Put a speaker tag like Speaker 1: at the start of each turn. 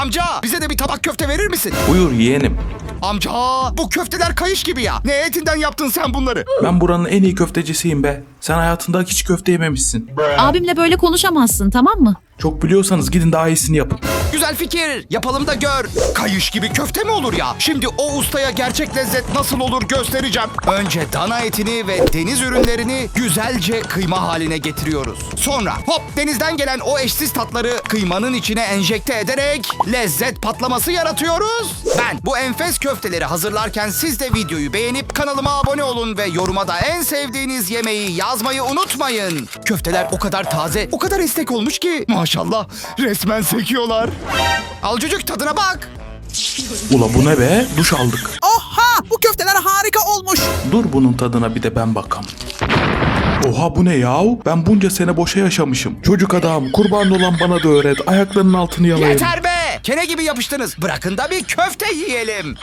Speaker 1: Amca bize de bir tabak köfte verir misin?
Speaker 2: Buyur yeğenim.
Speaker 1: Amca bu köfteler kayış gibi ya. Ne etinden yaptın sen bunları?
Speaker 2: Ben buranın en iyi köftecisiyim be. Sen hayatında hiç köfte yememişsin.
Speaker 3: Abimle böyle konuşamazsın, tamam mı?
Speaker 2: Çok biliyorsanız gidin daha iyisini yapın.
Speaker 1: Güzel fikir. Yapalım da gör. Kayış gibi köfte mi olur ya? Şimdi o ustaya gerçek lezzet nasıl olur göstereceğim. Önce dana etini ve deniz ürünlerini güzelce kıyma haline getiriyoruz. Sonra hop denizden gelen o eşsiz tatları kıymanın içine enjekte ederek lezzet patlaması yaratıyoruz. Ben bu enfes köfteleri hazırlarken siz de videoyu beğenip kanalıma abone olun ve yoruma da en sevdiğiniz yemeği yazmayı unutmayın. Köfteler o kadar taze, o kadar esnek olmuş ki maşallah resmen sekiyorlar. Al çocuk tadına bak.
Speaker 2: Ula bu ne be? Duş aldık.
Speaker 4: Oha! Bu köfteler harika olmuş.
Speaker 2: Dur bunun tadına bir de ben bakam. Oha bu ne yahu? Ben bunca sene boşa yaşamışım. Çocuk adam kurban olan bana da öğret. Ayaklarının altını yalayayım.
Speaker 1: Yeter be! Kene gibi yapıştınız. Bırakın da bir köfte yiyelim.